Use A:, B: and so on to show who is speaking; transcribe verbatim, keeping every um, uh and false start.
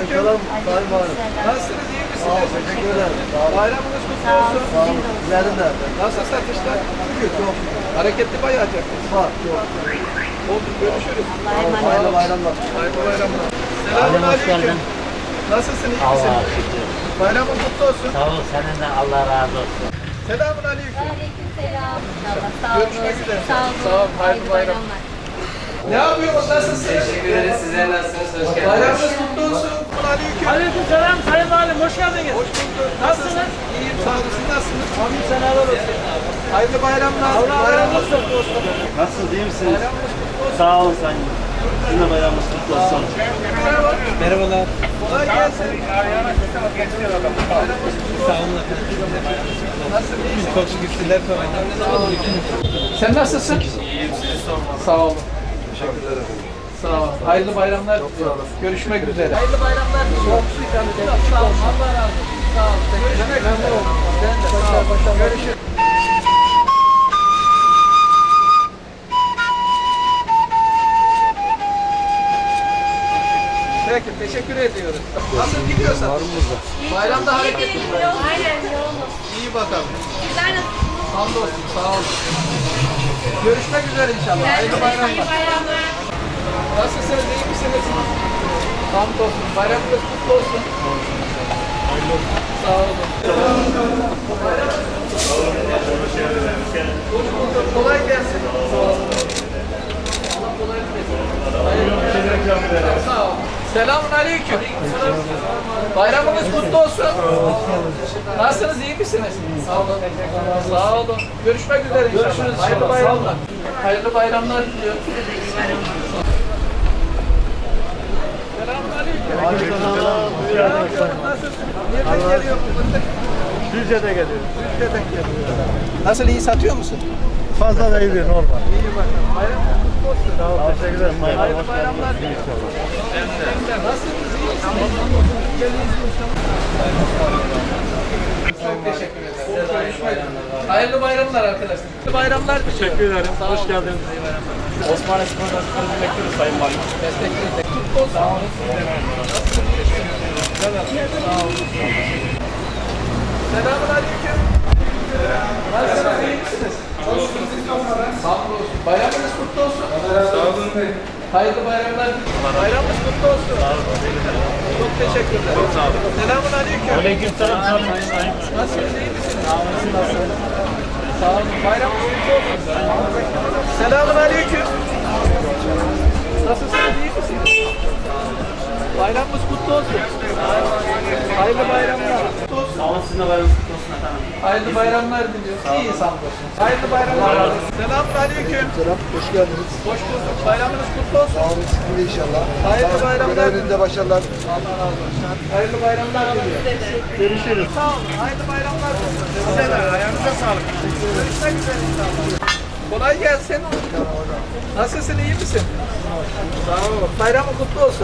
A: Aleykümselam. Sayın Valim.
B: Nasılsınız? İyi misiniz?
A: Sağ olun. Teşekkür ederim. Sağ olun.
B: Bayramınız kutlu
C: Sağ
B: olsun.
C: olun.
A: Sağ olun. Sizlerin de.
B: Nasıl satışlar?
A: Şükür çok.
B: Hareketli bayağı yaptık.
A: Var çok.
B: Oldu. Görüşürüz.
C: Allah'a emanet
A: Hayırlı
C: olun.
A: bayramlar.
B: Hayırlı bayramlar. Selamun aleyküm. Nasılsın? İyi misin?
D: Allah'a şükür.
B: Bayramın kutlu olsun.
D: Sağ ol, senin de Allah razı olsun.
B: Selamun aleyküm.
C: Aleykümselam. İnşallah. Sağ olun.
B: Görüşmek üzere.
C: Sağ olun.
B: Sağ olun. Hayırlı bayramlar. Ne yapıyorsunuz? Nasılsınız?
E: Teşekkür ederiz. Sizler nasılsınız? Hoş geldiniz.
B: Bayramınız kutlu olsun. Aleyküm.
F: Aleykümselam Sayın Valim, hoş geldiniz.
B: Hoş bulduk.
F: Nasılsınız?
B: İyiyim. Sağ olun. Siz nasılsınız?
F: Amin seneler olsun.
B: Hayırlı bayramlar.
F: Allah razı
B: Bayramınız
F: olsun.
B: kutlu olsun.
G: Nasılsınız, iyi misiniz?
B: Bayramınız kutlu olsun.
G: Sağ olun sayın. Sizin de bayramınız kutlu olsun.
B: Merhaba.
F: Merhabalar.
B: Kolay gelsin. Bayramınız kutlu olsun. Nasılsın? İyi misin?
F: Çok şükür sizler sormayın.
B: Sen nasılsın? İyiyim, sizi sormalı. Sağ olun. Teşekkürler efendim. Sağ olun. Hayırlı bayramlar. Çok sağ olun. Görüşmek üzere. Hayırlı bayramlar. Çok ikram ederim. Sağ olun. Allah razı olsun. Sağ olun. Görüşmek üzere. Ben de sağ olun. Görüşürüz. Peki, teşekkür ediyoruz. Nasıl gidiyorsun? Var mı burada? Bayramda hareketli.
C: Aynen yoğun.
B: İyi bakalım.
C: Sizler nasılsınız?
B: Hamdolsun, sağ olun. Görüşmek üzere inşallah. Hayırlı bayramlar.
C: Bayramlar.
B: Nasılsınız, iyi misiniz? Hamdolsun. Bayramınız kutlu olsun. Sağ olun. Hoş bulduk. Kolay gelsin. Sağ olun. Allah kolaylık versin. Hayırlı bayramlar. Sağ olun. Selamun aleyküm. Bayramınız kutlu olsun. Nasılsınız, iyi misiniz? Sağ olun. Sağ olun. Görüşmek üzere inşallah. Görüşürüz. Hayırlı bayramlar. Hayırlı bayramlar diliyorum. Selamun aleyküm. Nasılsın? Nereden geliyor bu fındık?
G: Düzce'de geliyoruz.
B: Türkiye'den geliyor. Nasıl, iyi satıyor musun?
G: Fazla da iyi değil, normal.
B: İyi bakalım. Bayramınız kutlu olsun.
G: Sağ olun, teşekkür ederim.
B: Hayırlı bayramlar diliyorum. Nasılsınız, iyi misiniz? Çok teşekkür ederim. Görüşmek üzere. Hayırlı bayramlar arkadaşlar. Hayırlı bayramlar diliyorum.
G: Teşekkür ederim.
B: Sağ
G: Hoş
B: olun.
G: geldiniz. Osmanlı Spor'dan sizi bekliyoruz Sayın Valim.
B: Destekleyin. Kutlu olsun. Sağ olun. Sağ olun. Selamun aleyküm. Nasılsınız, iyi misiniz? Sağ olun. Bayramınız kutlu olsun. Sağ olun. Hayırlı bayramlar. Bayramınız kutlu olsun. Sağ olun. Çok teşekkürler. Çok sağ olun. Selamun aleyküm.
G: Aleykümselam.
B: Nasılsınız, iyi misiniz? Sağ olun. Sağ olun. Bayramınız kutlu olsun. Selamun aleyküm. Nasılsınız, iyi misiniz? Bayramımız kutlu olsun. Hayırlı bayramlar. Kutlu olsun.
G: Sağ olun, sizin de bayramınız kutlu olsun efendim.
B: Hayırlı bayramlar diliyoruz. İyi hamdolsun. Hayırlı bayramlar. Selamun aleyküm.
A: Selam. Hoş geldiniz.
B: Hoş bulduk. Bayramınız kutlu olsun.
A: Sağ olun. Sizin de inşallah.
B: Hayırlı
A: Sağ olun.
B: bayramlar.
A: Görevinizde başarılar.
B: Allah razı olsun. Hayırlı bayramlar diliyorum.
G: Görüşürüz.
B: Sağ olun. Hayırlı bayramlar diliyorum. Size de. Ayağınıza sağlık. Görüşmek üzere inşallah. Kolay gelsin. Nasılsın, iyi misin? Sağ ol. Bayramın kutlu olsun.